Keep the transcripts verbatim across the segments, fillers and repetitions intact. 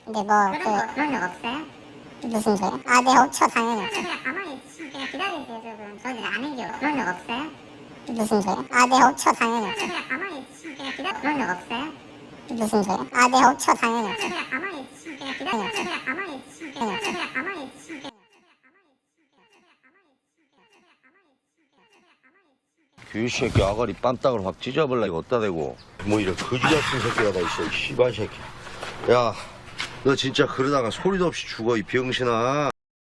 근데 뭐 그 그런 거, 그런 적 없어요? 무슨 소리야? 아, 네, 없죠, 당연히 없죠. 그냥 가만히 있으면 그냥 기다리세요. 저는 저는 안 해요. 그런 적 없어요? 무슨 소리야? 아, 네, 없죠, 당연히 없죠. 그냥 가만히 있으면 그냥 기다려. 그런 적 없어요? 무슨 소리야? 아, 네, 없죠, 당연히 없죠. 그냥 가만히 있으면 그냥 기다려. 그냥 가만히 있으면 그냥 그냥 가만히 있으면 그냥 그 새끼 아가리 빰딱을 확 찢어버려 이거 어디다 대고 뭐 이런 거지 같은 새끼가 다 있어 이 씨발 새끼. 야 너 진짜 그러다가 소리도 없이 죽어 이 병신아.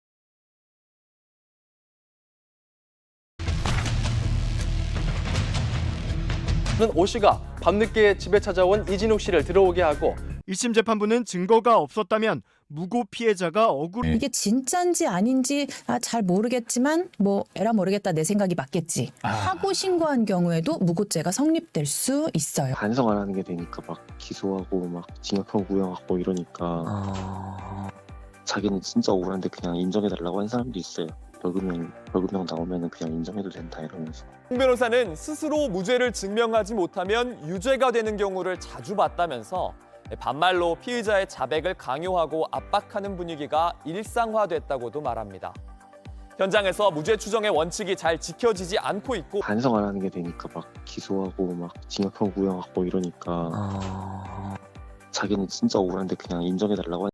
오 씨가 밤늦게 집에 찾아온 이진욱 씨를 들어오게 하고 일심 재판부는 증거가 없었다면 무고 피해자가 억울. 이게 진짠지 아닌지 아, 잘 모르겠지만 뭐 에라 모르겠다 내 생각이 맞겠지 하고 신고한 경우에도 무고죄가 성립될 수 있어요. 반성 안 하는 게 되니까 막 기소하고 막 징역형 구형하고 이러니까 아... 자기는 진짜 억울한데 그냥 인정해달라고 한 사람도 있어요. 벌금형, 벌금형 나오면 그냥 인정해도 된다 이러면서. 홍 변호사는 스스로 무죄를 증명하지 못하면 유죄가 되는 경우를 자주 봤다면서 반말로 피의자의 자백을 강요하고 압박하는 분위기가 일상화됐다고도 말합니다. 현장에서 무죄 추정의 원칙이 잘 지켜지지 않고 있고 반성 안 하는 게 되니까 막 기소하고 막 징역형 구형하고 이러니까 아... 자기는 진짜 억울한데 그냥 인정해달라고 한